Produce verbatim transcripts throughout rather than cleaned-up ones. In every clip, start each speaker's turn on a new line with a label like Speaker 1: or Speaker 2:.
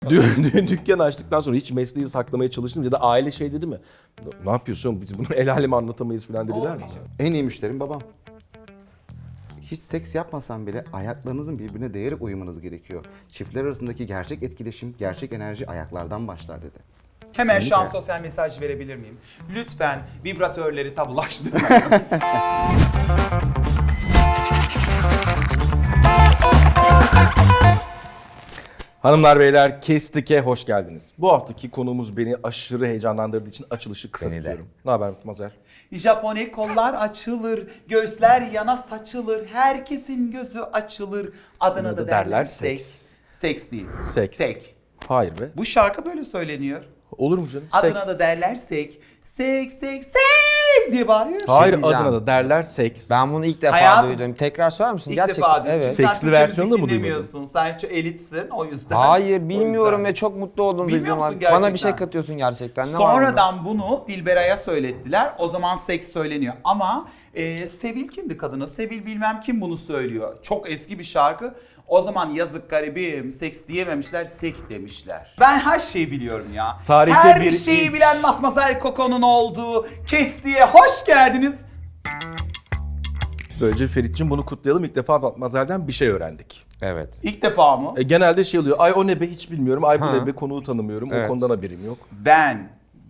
Speaker 1: Dü- Dükkan açtıktan sonra hiç mesleği saklamaya çalıştım ya da aile şey dedi mi? Ne yapıyorsun? Biz bunu el aleme anlatamayız falan dediler mi?
Speaker 2: En iyi müşterim babam. Hiç seks yapmasam bile ayaklarınızın birbirine değerek uyumanız gerekiyor. Çiftler arasındaki gerçek etkileşim, gerçek enerji ayaklardan başlar dedi.
Speaker 3: Hemen şu an
Speaker 2: Kesinlikle.
Speaker 3: sosyal mesaj verebilir miyim? Lütfen vibratörleri tabulaştırmayın.
Speaker 1: Hanımlar beyler Kestik'e hoş geldiniz. Bu haftaki konuğumuz beni aşırı heyecanlandırdığı için açılışı kısa
Speaker 4: Beni de.
Speaker 1: tutuyorum. Ne haber Mazer?
Speaker 3: Japone kollar açılır, gözler yana saçılır, herkesin gözü açılır. Adına da derler seks. Seks değil.
Speaker 1: Seks.
Speaker 3: Sek.
Speaker 1: Hayır be.
Speaker 3: Bu şarkı böyle söyleniyor.
Speaker 1: Olur mu canım?
Speaker 3: Adına
Speaker 1: Seks.
Speaker 3: da derler sek. Sek, sek, sek diye bağırıyor.
Speaker 1: Hayır
Speaker 4: diyeceğim.
Speaker 1: adına da derler seks.
Speaker 4: Ben bunu ilk defa
Speaker 3: Hayatım-
Speaker 4: duydum. Tekrar söyler misin?
Speaker 3: İlk
Speaker 4: Gerçekten.
Speaker 3: defa duydum.
Speaker 4: Evet.
Speaker 1: Sek-
Speaker 3: Sen
Speaker 1: Seksli
Speaker 3: Türkçe
Speaker 1: versiyonu da
Speaker 3: müzik
Speaker 1: mı duymadın?
Speaker 3: dinlemiyorsun. Sen çok elitsin o yüzden.
Speaker 4: Hayır
Speaker 3: O
Speaker 4: bilmiyorum
Speaker 3: yüzden.
Speaker 4: ve çok mutlu oldum
Speaker 3: Bilmiyor
Speaker 4: duyduğum
Speaker 3: musun
Speaker 4: an. Bana bir
Speaker 3: gerçekten?
Speaker 4: şey katıyorsun gerçekten. Ne var
Speaker 3: Sonradan bunu Dilberay'a söylettiler. O zaman seks söyleniyor. Ama e, Sevil kimdi kadına? Sevil bilmem kim bunu söylüyor. Çok eski bir şarkı. O zaman yazık garibim seks diyememişler, sek demişler. Ben her şeyi biliyorum ya.
Speaker 1: Tarihte
Speaker 3: her
Speaker 1: bir-
Speaker 3: şeyi bilen Matmazel Coco'nun olduğu Kesti'ye hoş geldiniz.
Speaker 1: Böylece Ferit'cim bunu kutlayalım. İlk defa Mazel'den bir şey öğrendik.
Speaker 4: Evet.
Speaker 3: İlk defa mı?
Speaker 1: E, genelde şey oluyor. Ay o ne be hiç bilmiyorum. Ay bu
Speaker 4: Ha.
Speaker 1: ne be konuğu tanımıyorum. O
Speaker 4: Evet.
Speaker 1: konudan haberim yok.
Speaker 3: Ben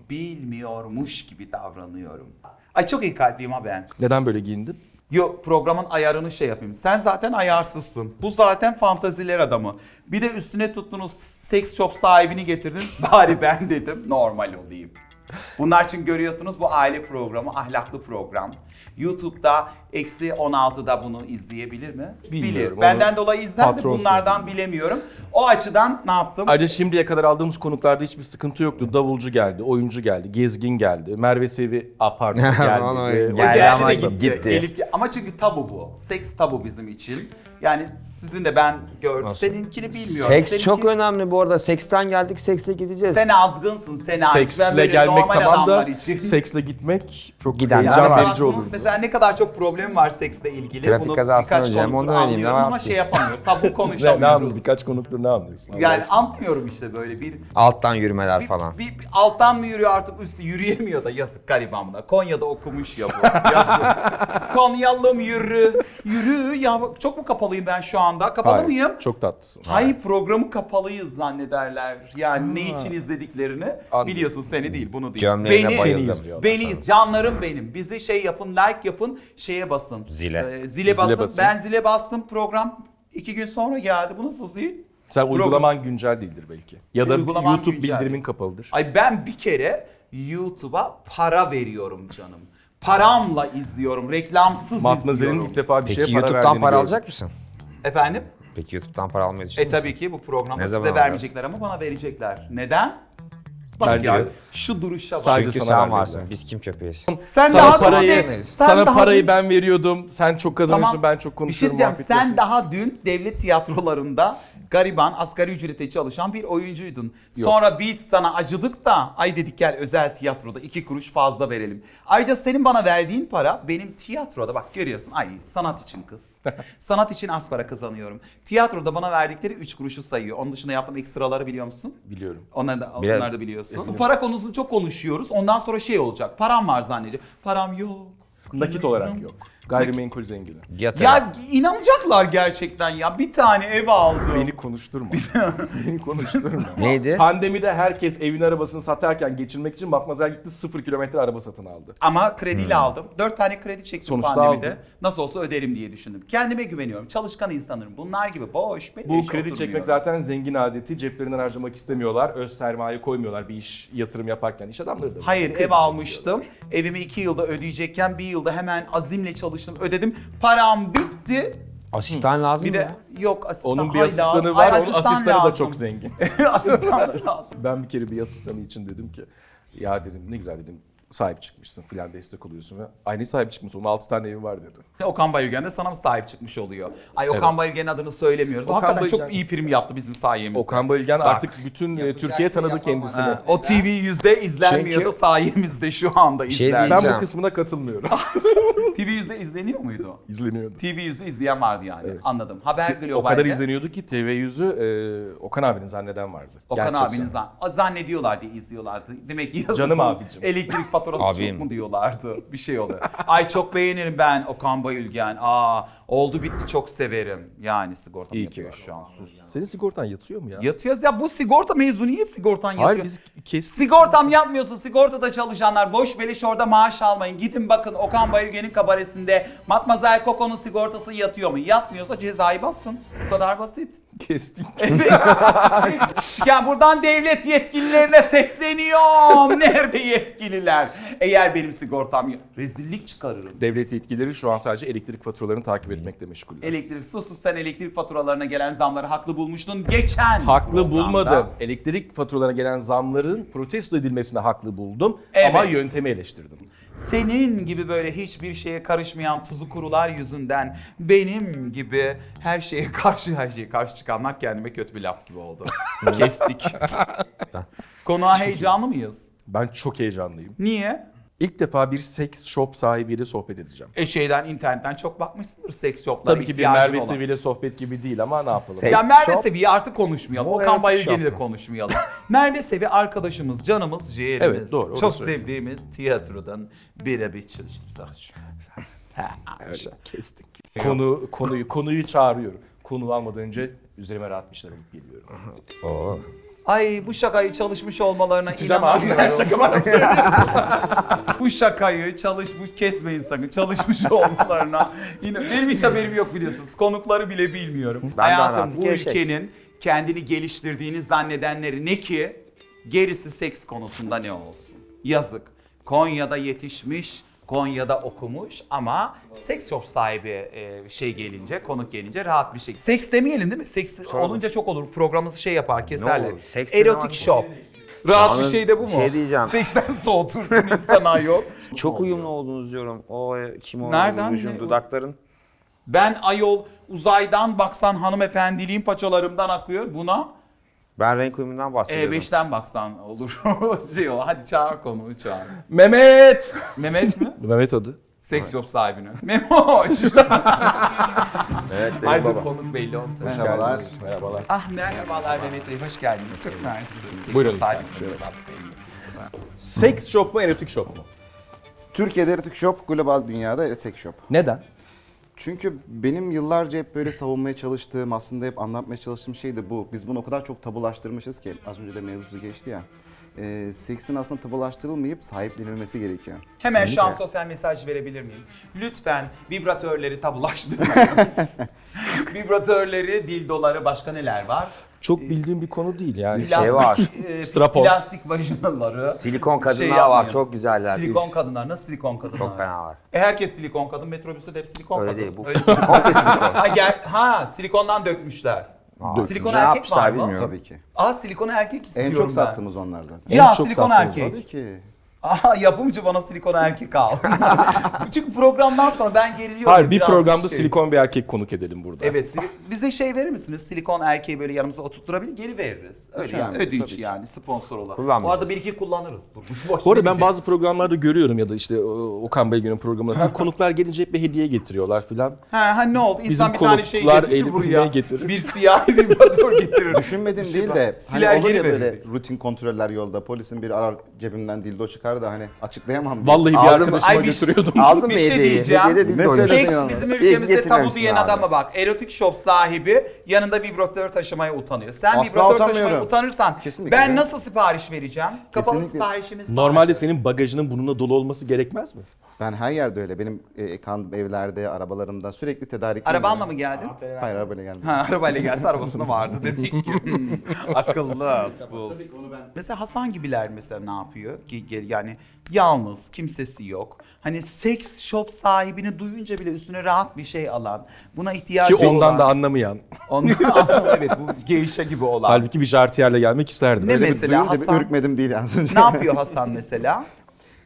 Speaker 3: bilmiyormuş gibi davranıyorum. Ay çok iyi kalpliyim ha ben.
Speaker 1: Neden böyle giyindin?
Speaker 3: Yok programın ayarını şey yapayım. Sen zaten ayarsızsın. Bu zaten fantaziler adamı. Bir de üstüne tuttunuz seks shop sahibini getirdiniz. Bari ben dedim normal olayım. Bunlar için görüyorsunuz bu aile programı, ahlaklı program. YouTube'da eksi on altıda bunu izleyebilir mi?
Speaker 1: Bilmiyorum,
Speaker 3: Bilir. Benden
Speaker 1: onu
Speaker 3: dolayı izler de
Speaker 1: patron
Speaker 3: bunlardan
Speaker 1: söyledi.
Speaker 3: bilemiyorum. O açıdan ne yaptım?
Speaker 1: Ayrıca şimdiye kadar aldığımız konuklarda hiçbir sıkıntı yoktu. Davulcu geldi, oyuncu geldi, gezgin geldi, Merve Sevi a pardon
Speaker 4: Onu
Speaker 1: gelmedi.
Speaker 3: O
Speaker 4: geldi
Speaker 3: gerçi
Speaker 4: ama
Speaker 3: de gitti.
Speaker 4: gitti.
Speaker 3: Elif- ama çünkü tabu bu. Seks tabu bizim için. Yani sizin de ben gördüm.
Speaker 4: Nasıl?
Speaker 3: Seninkini bilmiyorum.
Speaker 4: Seks
Speaker 3: Seninki-
Speaker 4: çok önemli bu arada. Seksten geldik, sekse gideceğiz.
Speaker 3: Sen azgınsın, sen hariç. Ben
Speaker 1: Seksle
Speaker 3: böyle
Speaker 1: gelmek
Speaker 3: normal
Speaker 1: tamam da
Speaker 3: adamlar için.
Speaker 1: seksle gitmek çok
Speaker 4: Gidenler
Speaker 3: Ya
Speaker 1: heyecan
Speaker 4: var.
Speaker 3: mesela,
Speaker 1: verici
Speaker 3: bunun-
Speaker 1: olurdu.
Speaker 3: mesela ne kadar çok problem var seksle ilgili.
Speaker 4: Trafik
Speaker 3: Bunu
Speaker 4: kazasından
Speaker 3: birkaç
Speaker 4: öleceğim,
Speaker 3: konuktur
Speaker 4: onu öyleyim, ne
Speaker 3: anlıyorum ama
Speaker 4: var ki?
Speaker 3: şey yapamıyorum. Tabu
Speaker 1: Ne, ne
Speaker 3: konuşamıyoruz.
Speaker 1: anladın? Birkaç konuktur ne anlıyorsun? Allah
Speaker 3: Yani
Speaker 1: aşkına.
Speaker 3: anlıyorum işte böyle bir
Speaker 4: Alttan yürümeler
Speaker 3: bir,
Speaker 4: falan.
Speaker 3: bir- bir alttan mı yürüyor artık üstü yürüyemiyor da yazık garibanla. Konya'da okumuş ya bu. Yazık. Konyalım yürü. Yürü ya çok mu kapalıyım ben şu anda? Kapalı
Speaker 1: Hayır,
Speaker 3: mıyım?
Speaker 1: çok tatlısın.
Speaker 3: Hayır programı kapalıyız zannederler. Yani ne için izlediklerini
Speaker 1: Anladım.
Speaker 3: biliyorsun seni değil bunu değil.
Speaker 4: Gömleğine
Speaker 3: Beni-
Speaker 4: bayıldım.
Speaker 1: izliyorlar.
Speaker 3: Beni canlarım benim. Bizi şey yapın like yapın şeye basın.
Speaker 4: Zile.
Speaker 3: Ee, zile, basın.
Speaker 1: basın.
Speaker 3: Ben zile bastım program iki gün sonra geldi. Bu nasıl zil?
Speaker 1: Sen
Speaker 3: Program-
Speaker 1: uygulaman güncel değildir belki. Ya da
Speaker 3: Uygulaman
Speaker 1: YouTube
Speaker 3: güncel.
Speaker 1: bildirimin kapalıdır.
Speaker 3: Ay ben bir kere YouTube'a para veriyorum canım. Paramla izliyorum. Reklamsız
Speaker 1: Matmazel'in
Speaker 3: izliyorum.
Speaker 1: ilk defa bir
Speaker 4: Peki
Speaker 1: şeye para
Speaker 4: YouTube'dan
Speaker 1: verdiğini
Speaker 4: para
Speaker 1: gördüm.
Speaker 4: alacak mısın?
Speaker 3: Efendim?
Speaker 4: Peki YouTube'dan para almayı
Speaker 3: E
Speaker 4: düşünüyor musun?
Speaker 3: tabii ki bu programda
Speaker 4: Ne
Speaker 3: size
Speaker 4: zaman
Speaker 3: vermeyecekler ama bana verecekler. Neden? Bak
Speaker 1: Bence
Speaker 3: ya
Speaker 1: de.
Speaker 3: şu duruşa bak.
Speaker 1: Sadece
Speaker 4: Çünkü
Speaker 1: sana
Speaker 4: sen
Speaker 1: vermediler.
Speaker 4: varsın. Biz kim köpeğiz?
Speaker 3: Sen
Speaker 1: Sana
Speaker 3: daha
Speaker 1: parayı,
Speaker 3: dün,
Speaker 1: sana
Speaker 3: daha
Speaker 1: parayı
Speaker 3: dün-
Speaker 1: ben veriyordum. Sen çok kazanıyorsun,
Speaker 3: Tamam.
Speaker 1: ben çok
Speaker 3: Bir şey
Speaker 1: konuşuyorum.
Speaker 3: diyeceğim.
Speaker 1: muhabbet
Speaker 3: Sen
Speaker 1: yapıyorum.
Speaker 3: daha dün devlet tiyatrolarında gariban, asgari ücrete çalışan bir oyuncuydun. Sonra biz sana acıdık da ay dedik gel özel tiyatroda iki kuruş fazla verelim. Ayrıca senin bana verdiğin para benim tiyatroda bak görüyorsun ay sanat için kız. Sanat için az para kazanıyorum. Tiyatroda bana verdikleri üç kuruşu sayıyor. Onun dışında yaptığım ekstraları biliyor musun?
Speaker 1: Biliyorum.
Speaker 3: Onlar da,
Speaker 4: Biliyorum.
Speaker 3: onlar da biliyorsun. Bu para konusunu çok konuşuyoruz. Ondan sonra şey olacak. Param var zannedecek. Param yok.
Speaker 1: Nakit olarak yok. Gayrimenkul zengini.
Speaker 4: Yatırım.
Speaker 3: Ya inanacaklar gerçekten ya. Bir tane ev aldım.
Speaker 1: Beni konuşturma. Beni konuşturma.
Speaker 4: Neydi?
Speaker 1: Pandemide herkes evin arabasını satarken geçirmek için Matmazel gitti sıfır kilometre araba satın aldı.
Speaker 3: Ama krediyle aldım. Dört tane kredi çektim
Speaker 1: Sonuçta
Speaker 3: pandemide.
Speaker 1: aldın.
Speaker 3: Nasıl olsa öderim diye düşündüm. Kendime güveniyorum. Çalışkan insanlarım. Bunlar gibi boş. beleş
Speaker 1: Bu kredi
Speaker 3: oturmuyor.
Speaker 1: çekmek zaten zengin adeti. Ceplerinden harcamak istemiyorlar. Öz sermaye koymuyorlar bir iş yatırım yaparken. İş adamları da.
Speaker 3: Hayır
Speaker 1: kredi
Speaker 3: ev almıştım. Evimi iki yılda ödeyecekken bir yılda hemen azimle çalıştım. Ödedim. Param bitti.
Speaker 4: Asistan lazım
Speaker 3: Bir
Speaker 4: mı
Speaker 3: de
Speaker 4: ya?
Speaker 3: yok asistan.
Speaker 1: Onun bir
Speaker 3: Ay,
Speaker 1: asistanı
Speaker 3: lazım.
Speaker 1: var.
Speaker 3: Ay,
Speaker 1: Onun
Speaker 3: asistan
Speaker 1: asistanı da
Speaker 3: lazım.
Speaker 1: çok zengin.
Speaker 3: Asistan da lazım.
Speaker 1: Ben bir kere bir asistanı için dedim ki ya dedim ne güzel dedim sahip çıkmışsın filan, destek oluyorsun ve aynı sahip çıkmışsın. Onun altı tane evi var dedi.
Speaker 3: Okan Bayülgen de sana mı sahip çıkmış oluyor? Ay Okan
Speaker 1: Evet.
Speaker 3: Bayülgen'in adını söylemiyoruz. O
Speaker 1: Okan
Speaker 3: hakikaten
Speaker 1: Bayülgen-
Speaker 3: çok iyi prim yaptı bizim sayemizde.
Speaker 1: Okan Bayülgen
Speaker 3: Bak.
Speaker 1: artık bütün e, Türkiye tanıdı kendisini.
Speaker 3: Ha, o T V yüzde izlenmiyordu,
Speaker 1: Çünkü-
Speaker 3: sayemizde şu anda
Speaker 4: şey
Speaker 3: izleniyor.
Speaker 1: Ben
Speaker 4: diyeceğim.
Speaker 1: bu kısmına katılmıyorum.
Speaker 3: T V yüzde izleniyor muydu?
Speaker 1: İzleniyordu.
Speaker 3: T V yüzde izleyen vardı yani. Anladım. Haber Global'de.
Speaker 1: O kadar izleniyordu ki T V yüzü e, Okan abinin zanneden vardı.
Speaker 3: Okan
Speaker 1: Gerçekten.
Speaker 3: abinin zan zannediyorlar diye izliyorlardı. Demek ki yazık
Speaker 1: Canım
Speaker 3: bunun
Speaker 1: abicim.
Speaker 3: elektrik faturası
Speaker 4: Abim.
Speaker 3: çok mu diyorlardı. Bir şey oluyor. Ay çok beğenirim ben Okan Bayülgen. Aa oldu bitti çok severim. Yani sigortam
Speaker 1: İyi ki
Speaker 3: yapıyor
Speaker 1: var.
Speaker 3: şu an sus.
Speaker 1: Senin sigortan yatıyor mu ya?
Speaker 3: Yatıyoruz ya bu sigorta mevzu niye sigortan yatıyor?
Speaker 1: Hayır biz kestik.
Speaker 3: Sigortam yatmıyorsa sigortada çalışanlar boş beleş orada maaş almayın. Gidin bakın Okan Bayülgen'in kabaresinde Matmazel Coco'nun sigortası yatıyor mu? Yatmıyorsa cezayı bassın. Bu kadar basit.
Speaker 1: Kestik.
Speaker 3: Evet. Yani buradan devlet yetkililerine sesleniyorum. Nerede yetkililer? Eğer benim sigortam yok. Rezillik çıkarırım.
Speaker 1: Devlet yetkilileri şu an sadece elektrik faturalarını takip etmekle meşguller.
Speaker 3: Elektrik sus sus sen elektrik faturalarına gelen zamları haklı bulmuştun geçen
Speaker 1: Haklı
Speaker 3: programda.
Speaker 1: bulmadım. Elektrik faturalarına gelen zamların protesto edilmesine haklı buldum.
Speaker 3: Evet.
Speaker 1: Ama yöntemi eleştirdim.
Speaker 3: Senin gibi böyle hiçbir şeye karışmayan tuzu kurular yüzünden benim gibi her şeye karşı her şeye karşı çıkanlar kendime kötü bir laf gibi oldu. Kestik. Konuğa heyecanlı mıyız?
Speaker 1: Ben çok heyecanlıyım.
Speaker 3: Niye?
Speaker 1: İlk defa bir seks shop sahibiyle sohbet edeceğim.
Speaker 3: E şeyden internetten çok bakmışsındır seks shoplara
Speaker 1: Tabii ki bir
Speaker 3: ihtiyacın
Speaker 1: Merve
Speaker 3: olan.
Speaker 1: Sevi'yle sohbet gibi değil ama ne yapalım.
Speaker 4: Seks
Speaker 3: Ya Merve
Speaker 4: shop.
Speaker 3: Sevi'yi artık konuşmayalım.
Speaker 1: Bu
Speaker 3: Okan
Speaker 1: erotik
Speaker 3: Bayülgen'i
Speaker 1: shop
Speaker 3: de
Speaker 1: mu?
Speaker 3: konuşmayalım. Orada Sevi arkadaşımız, canımız, ciğerimiz.
Speaker 1: Evet, doğru,
Speaker 3: Çok
Speaker 1: orası öyle.
Speaker 3: sevdiğimiz tiyatrodan birebir çalıştım sana. Ha,
Speaker 1: Öyle
Speaker 3: şey.
Speaker 1: kestik. Konu, konuyu, konuyu çağırıyorum. Konu almadan önce üzerime rahat bir şeyler alıp geliyorum.
Speaker 4: Oo.
Speaker 3: Ay bu şakayı çalışmış olmalarına
Speaker 1: Sıçacağım ağzına her
Speaker 3: inanamıyorum.
Speaker 1: şaka bana.
Speaker 3: Bu şakayı çalış, bu kesmeyin sakın çalışmış olmalarına. Yine benim hiç haberim yok biliyorsunuz. Konukları bile bilmiyorum.
Speaker 4: Ben de
Speaker 3: Hayatım
Speaker 4: hayatım
Speaker 3: bu
Speaker 4: gevşek.
Speaker 3: ülkenin kendini geliştirdiğini zannedenleri ne ki gerisi seks konusunda ne olsun. Yazık. Konya'da yetişmiş, Konya'da okumuş ama seks shop sahibi e, şey gelince, konuk gelince rahat bir şey. Seks demeyelim değil mi? Seks olunca çok olur. Programımızı şey yapar, keserler.
Speaker 4: olur? Seks
Speaker 3: Erotik
Speaker 4: ne
Speaker 3: shop. Rahat bir
Speaker 4: Yalnız
Speaker 3: şey de bu mu?
Speaker 4: şey diyeceğim.
Speaker 3: Seksten soğutursun insan ayol.
Speaker 4: Çok uyumlu oldunuz diyorum. O e, kim o?
Speaker 3: Nereden?
Speaker 4: Rujun,
Speaker 3: Ne?
Speaker 4: dudakların.
Speaker 3: Ben ayol uzaydan baksan hanımefendiliğin paçalarımdan akıyor. Buna
Speaker 4: Ben renk uyumundan bahsediyorum.
Speaker 3: E beşten baksan olur. şey o. Hadi çağır konuğu çağır.
Speaker 1: Mehmet!
Speaker 3: Mehmet mi?
Speaker 1: Mehmet adı.
Speaker 3: Seks shop sahibini. Memoş.
Speaker 4: Evet, benim
Speaker 3: Haydi
Speaker 4: babam.
Speaker 3: konuk belli olsun.
Speaker 2: Merhabalar.
Speaker 1: Merhabalar.
Speaker 3: Ah merhabalar Mehmet Bey, hoş geldiniz. Çok mersi.
Speaker 1: Buyurun
Speaker 3: Sahibi.
Speaker 1: Seks shop mu, erotik shop mu?
Speaker 2: Türkiye'de erotik shop, global dünyada erotik shop.
Speaker 1: Neden?
Speaker 2: Çünkü benim yıllarca hep böyle savunmaya çalıştığım, aslında hep anlatmaya çalıştığım şey de bu. Biz bunu o kadar çok tabulaştırmışız ki, az önce de mevzusu geçti ya. E, seksin aslında tabulaştırılmayıp sahiplenilmesi gerekiyor.
Speaker 3: Hemen şu an sosyal mesaj verebilir miyim? Lütfen vibratörleri tabulaştırmayın. Vibratörleri, dildoları, başka neler var?
Speaker 1: Çok bildiğim bir konu değil yani.
Speaker 4: Şey Şey var.
Speaker 3: e,
Speaker 1: Strap-on.
Speaker 3: Plastik vajinaları.
Speaker 4: Silikon kadınlar
Speaker 3: Şey
Speaker 4: var,
Speaker 3: yapmayın.
Speaker 4: çok güzeller.
Speaker 3: Silikon kadınlar. Nasıl silikon kadınlar?
Speaker 4: Çok fena var.
Speaker 3: E herkes silikon kadın. Metrobüste de hep silikon
Speaker 4: Öyle
Speaker 3: kadın.
Speaker 4: değil, bu
Speaker 3: Öyle-
Speaker 4: komple silikon.
Speaker 3: ha, gel, ha silikondan dökmüşler.
Speaker 4: Aa,
Speaker 3: Silikon
Speaker 4: ne
Speaker 3: erkek
Speaker 4: yapmışlar
Speaker 3: var mı?
Speaker 4: bilmiyorum.
Speaker 2: Tabii ki.
Speaker 3: Aa silikon erkek istiyorum
Speaker 2: En çok
Speaker 3: ben.
Speaker 2: sattığımız onlar zaten.
Speaker 3: Ya
Speaker 1: En çok
Speaker 3: silikon
Speaker 1: sattığımız,
Speaker 3: erkek.
Speaker 2: Tabii ki.
Speaker 3: Aha yapımcı bana silikon erkek al. Çünkü programdan sonra ben geriliyorum.
Speaker 1: Hayır, bir
Speaker 3: biraz
Speaker 1: programda
Speaker 3: şey.
Speaker 1: silikon bir erkek konuk edelim burada.
Speaker 3: Evet, sili- bize şey verir misiniz? Silikon erkeği böyle yanımıza oturtturabilir, geri veririz. Öyle yani,
Speaker 2: Önemli,
Speaker 3: ödünç
Speaker 2: tabii ki.
Speaker 3: yani sponsor olarak.
Speaker 4: Kullanmayacağız.
Speaker 3: Bu arada bir iki kullanırız. Boş
Speaker 1: Bu arada ben
Speaker 3: demeyeceğim.
Speaker 1: bazı programlarda görüyorum ya da işte o- Okan Bayülgen'in programında falan konuklar gelince hep bir hediye getiriyorlar filan.
Speaker 3: Ha, ha ne oldu? İnsan
Speaker 1: Bizim
Speaker 3: bir tane şey
Speaker 1: konuklar
Speaker 3: getirir
Speaker 1: elimize
Speaker 3: buraya.
Speaker 1: getirir.
Speaker 3: Bir siyah vibratör getirir.
Speaker 2: Düşünmedim
Speaker 3: şey
Speaker 2: değil
Speaker 3: var.
Speaker 2: de
Speaker 3: Siler
Speaker 2: hani olur
Speaker 3: geri
Speaker 2: ya böyle
Speaker 3: verirdik.
Speaker 2: rutin kontroller yolda, polisin bir arar cebimden dildo çıkar da hani açıklayamam diye.
Speaker 1: Vallahi bir
Speaker 4: Aldım-
Speaker 1: arkadaşıma
Speaker 3: Ay, bir-
Speaker 1: götürüyordum.
Speaker 4: Aldın mı
Speaker 3: Bir şey
Speaker 4: hediyeyi?
Speaker 3: diyeceğim.
Speaker 4: Hediye de değil de
Speaker 2: Mesela-
Speaker 4: oyun.
Speaker 3: Seks
Speaker 2: Yani.
Speaker 3: bizim
Speaker 4: İyi
Speaker 3: ülkemizde tabu
Speaker 4: getirmemişsin
Speaker 3: diyen
Speaker 4: abi.
Speaker 3: adama bak. Erotik shop sahibi yanında vibratör taşımaya utanıyor. Sen
Speaker 2: Asla
Speaker 3: vibratör taşımaya
Speaker 2: utanmıyorum.
Speaker 3: utanırsan
Speaker 2: Kesinlikle.
Speaker 3: ben nasıl sipariş vereceğim? Kapalı
Speaker 2: Kesinlikle.
Speaker 3: siparişimiz var.
Speaker 1: Normalde senin bagajının bununla dolu olması gerekmez mi?
Speaker 2: Ben her yerde öyle. Benim e, kan evlerde, arabalarımda sürekli tedarik.
Speaker 3: Arabanla mı geldin?
Speaker 2: Hayır, arabayla gelmedim.
Speaker 3: Ha, arabayla gelse arabasında vardı demek ki. Hmm, akıllı, sus. Mesela Hasan gibiler mesela ne yapıyor? Ki- ki- Yani yalnız, kimsesi yok. Hani seks shop sahibini duyunca bile üstüne rahat bir şey alan, buna ihtiyacı
Speaker 1: Ki ondan
Speaker 3: olan.
Speaker 1: da anlamayan.
Speaker 3: Ondan evet bu geyişe gibi olan.
Speaker 1: Halbuki bir jartiyerle gelmek isterdim.
Speaker 3: Ne
Speaker 1: Öyle bir-
Speaker 3: mesela
Speaker 2: Duyunca bir
Speaker 3: Hasan?
Speaker 2: ürkmedim değil az önce.
Speaker 3: Ne yapıyor Hasan mesela?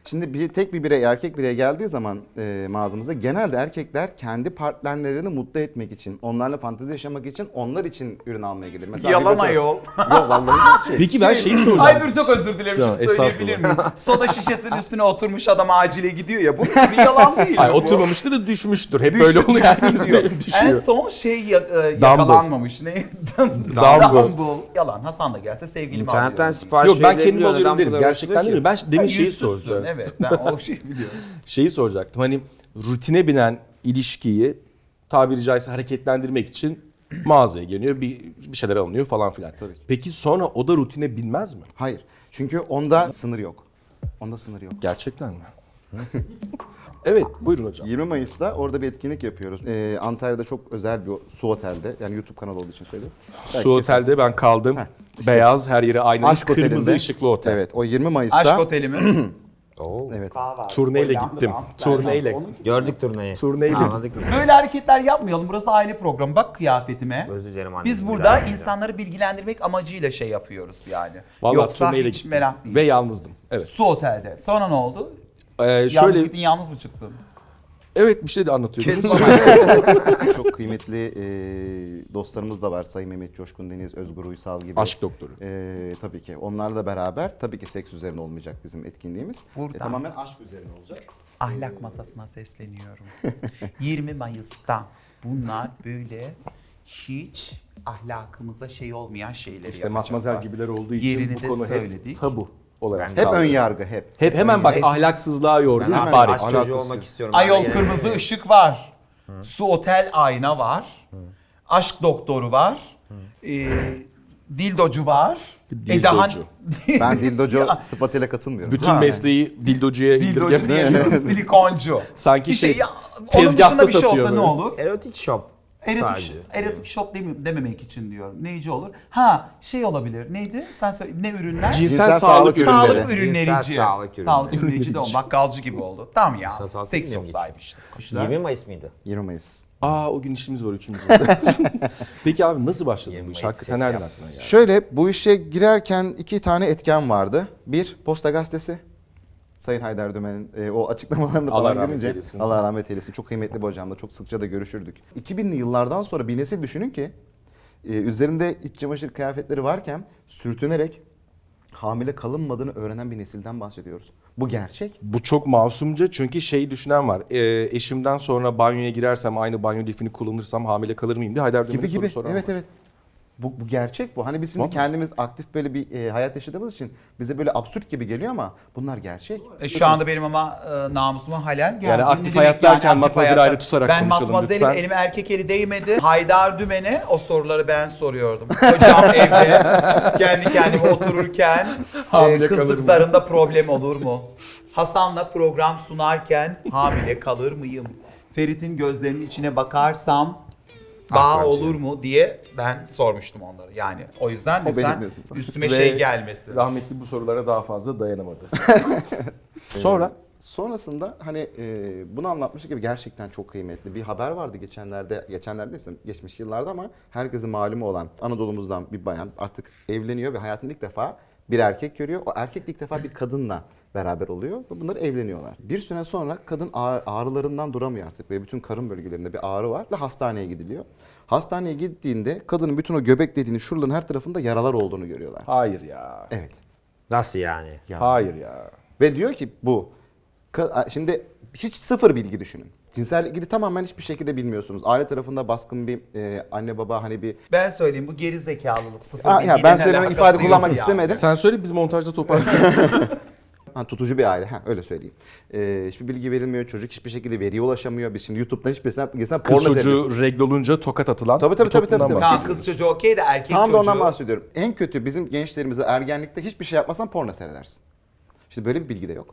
Speaker 2: Şimdi bir tek bir birey, erkek birey geldiği zaman e, mağazamıza genelde erkekler kendi partnerlerini mutlu etmek için, onlarla fantezi yaşamak için, onlar için ürün almaya gelir. Mesela
Speaker 3: Yalan
Speaker 2: bir bakın-
Speaker 3: ayol.
Speaker 2: Yok vallahi şey.
Speaker 1: Peki ben şeyi soracağım.
Speaker 3: Ay dur çok özür dilerim
Speaker 1: Ya,
Speaker 3: şunu söyleyebilir
Speaker 1: estağfurullah.
Speaker 3: miyim? Soda şişesinin üstüne oturmuş adam acile gidiyor ya. Bu bir yalan değil mi
Speaker 1: Hayır,
Speaker 3: bu?
Speaker 1: oturmamıştır da düşmüştür. Hep
Speaker 3: Düştü,
Speaker 1: böyle oluyor.
Speaker 3: düşüyor. En
Speaker 1: düşüyor.
Speaker 3: son şey ya- e, yakalanmamış. Ne?
Speaker 1: Dumble.
Speaker 3: Dumble. Yalan. Hasan da gelse sevgilimi
Speaker 4: İnternetten
Speaker 3: alıyorum.
Speaker 4: sipariş
Speaker 1: Yok ben kendim
Speaker 4: verilebiliyor.
Speaker 1: alıyorum
Speaker 4: Neden
Speaker 1: derim.
Speaker 4: bu
Speaker 1: Gerçekten
Speaker 4: kadar
Speaker 1: değil mi? Ben
Speaker 3: Sen
Speaker 1: demin şeyi
Speaker 3: yüzsüzsün,
Speaker 1: soracağım.
Speaker 3: Evet ben o şeyi biliyorum.
Speaker 1: Şeyi soracaktım. Hani rutine binen ilişkiyi tabiri caizse hareketlendirmek için mağazaya geliyor, bir, bir şeyler alınıyor falan filan.
Speaker 2: Tabii ki.
Speaker 1: Peki sonra o da rutine binmez mi?
Speaker 2: Hayır. Çünkü onda sınır yok. Onda sınır yok.
Speaker 1: Gerçekten mi? Evet, buyurun hocam.
Speaker 2: yirmi Mayıs'ta orada bir etkinlik yapıyoruz. Ee, Antalya'da çok özel bir su otelde. Yani YouTube kanalı olduğu için söylüyorum.
Speaker 1: Su otelde ben kaldım. Beyaz, her yeri aynı.
Speaker 2: Aşk
Speaker 1: Kırmızı
Speaker 2: Oteli'nde.
Speaker 1: ışıklı otel.
Speaker 2: Evet, o yirmi Mayıs'ta.
Speaker 3: Aşk oteli mi?
Speaker 4: Oo.
Speaker 2: Evet.
Speaker 1: Turneyle gittim. Turneyle.
Speaker 4: Gördük turneyi.
Speaker 1: Turneyle.
Speaker 4: Anladık.
Speaker 3: Böyle hareketler yapmayalım. Burası aile programı. Bak kıyafetime.
Speaker 4: Özür dilerim anne.
Speaker 3: Biz
Speaker 4: Bir
Speaker 3: burada
Speaker 4: daha yapacağım.
Speaker 3: insanları bilgilendirmek amacıyla şey yapıyoruz yani.
Speaker 1: Vallahi
Speaker 3: Yoksa
Speaker 1: turneyle
Speaker 3: hiç
Speaker 1: gittim.
Speaker 3: merak değil.
Speaker 1: Ve yalnızdım. Evet.
Speaker 3: Su otelde. Sonra ne oldu?
Speaker 1: Ee,
Speaker 3: Yalnız
Speaker 1: şöyle,
Speaker 3: gittin, yalnız mı çıktın?
Speaker 1: evet bir şey de anlatıyordunuz.
Speaker 2: Çok kıymetli e, dostlarımız da var. Sayın Mehmet Coşkun Deniz, Özgür Uysal gibi.
Speaker 1: Aşk doktoru.
Speaker 2: E, tabii ki. Onlarla beraber tabii ki seks üzerine olmayacak bizim etkinliğimiz.
Speaker 3: Buradan.
Speaker 2: E, tamamen aşk üzerine olacak.
Speaker 3: Ahlak masasına sesleniyorum. yirmi Mayıs'ta bunlar böyle hiç ahlakımıza şey olmayan şeyleri
Speaker 1: İşte matmazel gibiler olduğu için
Speaker 3: Yerini
Speaker 1: bu
Speaker 3: de
Speaker 1: konu
Speaker 3: söyledik.
Speaker 1: hep tabu olarak
Speaker 2: Hep
Speaker 1: kaldı.
Speaker 2: ön yargı hep.
Speaker 1: Hep hemen bak ahlaksızlığa yordu.
Speaker 4: Ben hemen
Speaker 1: ihbar
Speaker 4: aşk
Speaker 1: et.
Speaker 4: çocuğu
Speaker 2: Alakası
Speaker 4: olmak
Speaker 2: yok.
Speaker 4: istiyorum. Ben de
Speaker 3: Ayol
Speaker 4: gene-
Speaker 3: kırmızı ışık var. Su otel ayna var. Aşk doktoru var. Ee, dildocu var.
Speaker 1: Dildocu.
Speaker 3: Edahan...
Speaker 2: Ben dildocu sıfatıyla katılmıyorum.
Speaker 1: Bütün
Speaker 3: Ha.
Speaker 1: mesleği dildocuya
Speaker 3: Dildocu
Speaker 1: indirgen.
Speaker 3: diye silikoncu.
Speaker 1: Sanki
Speaker 3: Bir
Speaker 1: şey,
Speaker 3: ya, onun
Speaker 1: tezgahta
Speaker 3: dışında bir şey
Speaker 1: satıyor
Speaker 3: olsa ne
Speaker 1: böyle.
Speaker 3: olur?
Speaker 4: Erotik shop.
Speaker 3: Erotik,
Speaker 4: Sadece.
Speaker 3: erotik shop demi- dememek için diyorum. Neyci olur? Ha şey olabilir. Neydi? Sen söyle. Ne ürünler?
Speaker 1: Cinsel,
Speaker 2: Cinsel
Speaker 1: sağlık
Speaker 2: sağlık
Speaker 1: ürünleri.
Speaker 3: Sağlık ürünlerici.
Speaker 4: Cinsel sağlık ürünleri.
Speaker 3: Sağlık ürünlerici de o. Bakkalcı gibi oldu. Tamam ya.
Speaker 4: Cinsel sağlık
Speaker 3: Seks
Speaker 4: bilmiyorum
Speaker 3: shop sahibi işte. Kuşlar.
Speaker 4: yirmi Mayıs mıydı?
Speaker 2: yirmi Mayıs.
Speaker 1: Aa o gün işimiz var üçümüzün. de. Peki abi nasıl başladı bu
Speaker 4: yirmi
Speaker 1: iş?
Speaker 4: Mayıs
Speaker 1: Hakikaten
Speaker 4: çek
Speaker 1: nereden
Speaker 4: yap.
Speaker 1: aklına geldi?
Speaker 2: Şöyle bu işe girerken iki tane etken vardı. Bir, Posta Gazetesi. Sayın Haydar Dümen'in e, o açıklamalarını
Speaker 1: Allah
Speaker 2: falan
Speaker 1: rahmet
Speaker 2: görünce
Speaker 1: eylesin.
Speaker 2: Allah rahmet eylesin. Çok kıymetli bir hocamla çok sıkça da görüşürdük. iki binli yıllardan sonra bir nesil düşünün ki e, üzerinde iç çamaşır kıyafetleri varken sürtünerek hamile kalınmadığını öğrenen bir nesilden bahsediyoruz. Bu gerçek.
Speaker 1: Bu çok masumca çünkü şeyi düşünen var. E, eşimden sonra banyoya girersem aynı banyo lifini kullanırsam hamile kalır mıyım diye Haydar Dümen'e
Speaker 2: Gibi
Speaker 1: soru
Speaker 2: gibi.
Speaker 1: soran
Speaker 2: Evet
Speaker 1: var.
Speaker 2: evet. Bu, bu gerçek bu. Hani biz şimdi
Speaker 1: Vallahi.
Speaker 2: kendimiz aktif böyle bir e, hayat yaşadığımız için bize böyle absürt gibi geliyor ama bunlar gerçek.
Speaker 3: E, şu anda benim ama e, namusuma halel geldi.
Speaker 1: Yani
Speaker 3: Ne
Speaker 1: aktif
Speaker 3: demek
Speaker 1: hayat derken
Speaker 3: aktif
Speaker 1: matmazeli
Speaker 3: hayatta?
Speaker 1: ayrı tutarak
Speaker 3: ben
Speaker 1: konuşalım
Speaker 3: matmazelim,
Speaker 1: lütfen.
Speaker 3: elime erkek eli değmedi. Haydar Dümen'e o soruları ben soruyordum. Hocam evde kendi kendime otururken
Speaker 1: Hamile
Speaker 3: e,
Speaker 1: kalır
Speaker 3: kızlık
Speaker 1: mı?
Speaker 3: zarında problem olur mu? Hasan'la program sunarken hamile kalır mıyım? Ferit'in gözlerinin içine bakarsam bağ
Speaker 4: Akrep
Speaker 3: olur mu diye ben sormuştum onları. Yani o yüzden
Speaker 2: O
Speaker 3: lütfen
Speaker 2: benim diyorsun sen.
Speaker 3: üstüme
Speaker 1: Ve
Speaker 3: şey gelmesin.
Speaker 1: Rahmetli bu sorulara daha fazla dayanamadı. Sonra
Speaker 2: Sonrasında hani e, bunu anlatmış gibi gerçekten çok kıymetli bir haber vardı geçenlerde, geçenlerde değil, geçmiş yıllarda ama herkesin malumu olan Anadolu'muzdan bir bayan artık evleniyor ve hayatında ilk defa bir erkek görüyor. O erkek ilk defa bir kadınla beraber oluyor ve bunlar evleniyorlar. Bir süre sonra kadın ağrı- ağrılarından duramıyor artık ve bütün karın bölgelerinde bir ağrı var ve hastaneye gidiliyor. Hastaneye gittiğinde kadının bütün o göbek deliğinin şuraların her tarafında yaralar olduğunu görüyorlar.
Speaker 1: hayır ya.
Speaker 2: Evet.
Speaker 4: Nasıl yani?
Speaker 2: Ya.
Speaker 1: Hayır ya.
Speaker 2: Ve diyor ki bu. Ka- Şimdi hiç sıfır bilgi düşünün. Cinsellikle ilgili tamamen hiçbir şekilde bilmiyorsunuz. Aile tarafında baskın bir e, anne baba hani bir...
Speaker 3: Ben söyleyeyim bu geri zekalılık sıfır
Speaker 2: Aa, ya
Speaker 3: bilgiyle
Speaker 2: ben
Speaker 3: ne
Speaker 2: söylemek
Speaker 3: alakası
Speaker 2: ifade
Speaker 3: yok
Speaker 2: kullanmak
Speaker 3: ya.
Speaker 2: istemedim.
Speaker 1: Sen söyle biz montajda toparlayalım.
Speaker 2: Ha, tutucu bir aile. Ha, öyle söyleyeyim. E, hiçbir bilgi verilmiyor. Çocuk hiçbir şekilde veriye ulaşamıyor. Biz şimdi YouTube'dan hiçbir sen porno
Speaker 1: Kız
Speaker 2: seyrediyoruz.
Speaker 1: çocuğu regl olunca tokat atılan
Speaker 2: Tabii, tabii,
Speaker 1: bir
Speaker 2: tabii,
Speaker 1: toplumdan
Speaker 2: tabii, tabii.
Speaker 3: Tamam
Speaker 1: bahsediyoruz.
Speaker 3: kız çocuğu okey de erkek
Speaker 2: Tam da
Speaker 3: çocuğu.
Speaker 2: ondan bahsediyorum. En kötü bizim gençlerimize ergenlikte hiçbir şey yapmasan porno seyredersin. Şimdi böyle bir bilgi de yok.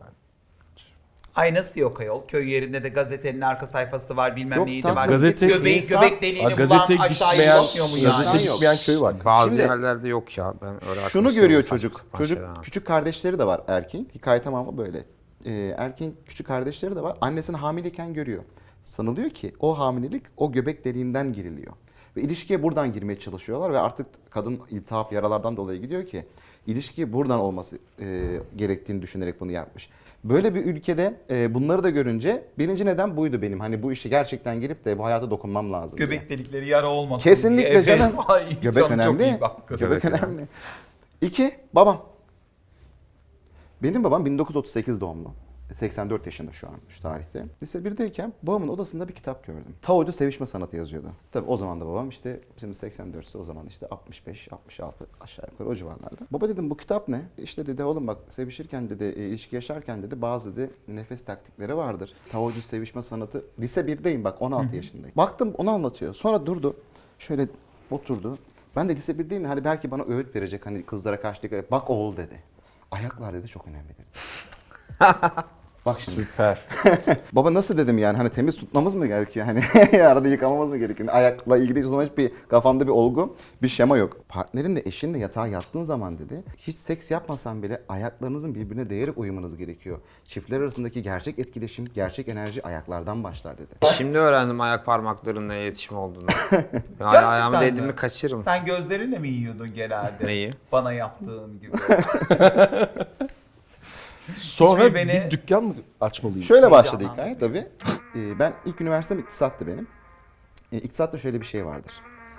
Speaker 3: Ay nasıl yok ayol? Köy yerinde de gazetenin arka sayfası var bilmem
Speaker 2: Yok,
Speaker 3: neyi de
Speaker 2: tam
Speaker 3: var.
Speaker 1: gazete-
Speaker 3: Göbeği,
Speaker 2: insan-
Speaker 3: göbek deliğini
Speaker 1: Aa,
Speaker 3: bulan
Speaker 1: gazete
Speaker 3: aşağıya
Speaker 1: gitmeyen,
Speaker 3: bakmıyor mu yani?
Speaker 1: gazete
Speaker 2: yok.
Speaker 1: gitmeyen köy var.
Speaker 4: Bazı
Speaker 2: Şimdi-
Speaker 4: yerlerde yok ya. Ben öyle
Speaker 2: Şunu
Speaker 4: arkadaşlarım
Speaker 2: görüyor
Speaker 4: saçma
Speaker 2: çocuk.
Speaker 4: sapan
Speaker 2: Çocuk
Speaker 4: şeyler var.
Speaker 2: küçük kardeşleri de var erkeğin. Hikaye tamamı böyle. Ee, erkeğin küçük kardeşleri de var. Annesini hamileyken görüyor. Sanılıyor ki o hamilelik o göbek deliğinden giriliyor. Ve ilişkiye buradan girmeye çalışıyorlar ve artık kadın iltihap yaralardan dolayı gidiyor ki ilişki buradan olması e, gerektiğini düşünerek bunu yapmış. Böyle bir ülkede e, bunları da görünce birinci neden buydu benim. Hani bu işi gerçekten gelip de bu hayata dokunmam lazım diye.
Speaker 3: Göbek delikleri yara olmasın
Speaker 2: Kesinlikle
Speaker 3: diye. Evet.
Speaker 2: canım.
Speaker 3: Ay,
Speaker 2: Göbek
Speaker 3: canım
Speaker 2: önemli.
Speaker 3: Çok iyi bak.
Speaker 2: Göbek,
Speaker 4: Göbek
Speaker 2: önemli. İki, babam. Benim babam bin dokuz yüz otuz sekiz doğumlu. seksen dört yaşında şu an şu tarihte. Lise birdeyken babamın odasında bir kitap gördüm. Taocu sevişme sanatı yazıyordu. Tabii o zaman da babam işte şimdi seksen dört ise o zaman işte altmış beş altmış altı aşağı yukarı o civarlarda. Baba dedim bu kitap ne? İşte dedi oğlum bak sevişirken dedi e, ilişki yaşarken dedi bazı dedi nefes taktikleri vardır. Taocu sevişme sanatı. Lise birdeyim bak on altı yaşındayım. Baktım onu anlatıyor. Sonra durdu. Şöyle oturdu. Ben de lise birdeyim hadi belki bana öğüt verecek hani kızlara karşı dikkat et. Bak oğul dedi. Ayaklar dedi çok önemli dedi. Bak şimdi.
Speaker 1: Süper.
Speaker 2: Baba nasıl dedim yani hani temiz tutmamız mı gerekiyor? Hani arada yıkamamız mı gerekiyor? Ayakla ilgili o zaman hiçbir kafamda bir olgu, bir şema yok. Partnerinle, eşinle yatağa yattığın zaman dedi hiç seks yapmasan bile ayaklarınızın birbirine değerek uyumanız gerekiyor. Çiftler arasındaki gerçek etkileşim, gerçek enerji ayaklardan başlar dedi.
Speaker 4: Şimdi öğrendim ayak parmaklarının iletişim olduğunu. Yani
Speaker 3: Gerçekten
Speaker 4: ayağımı
Speaker 3: mi?
Speaker 4: değdiğimi kaçırırım.
Speaker 3: Sen gözlerinle mi yiyordun genelde?
Speaker 4: Neyi?
Speaker 3: Bana yaptığın gibi.
Speaker 1: Sonra
Speaker 3: Hiçbir beni-
Speaker 1: bir dükkan mı açmalıyım?
Speaker 2: Şöyle başladı
Speaker 3: Heyecanlandım.
Speaker 2: hikaye tabii. Ee, ben ilk üniversitem iktisattı benim. Ee, iktisatta şöyle bir şey vardır.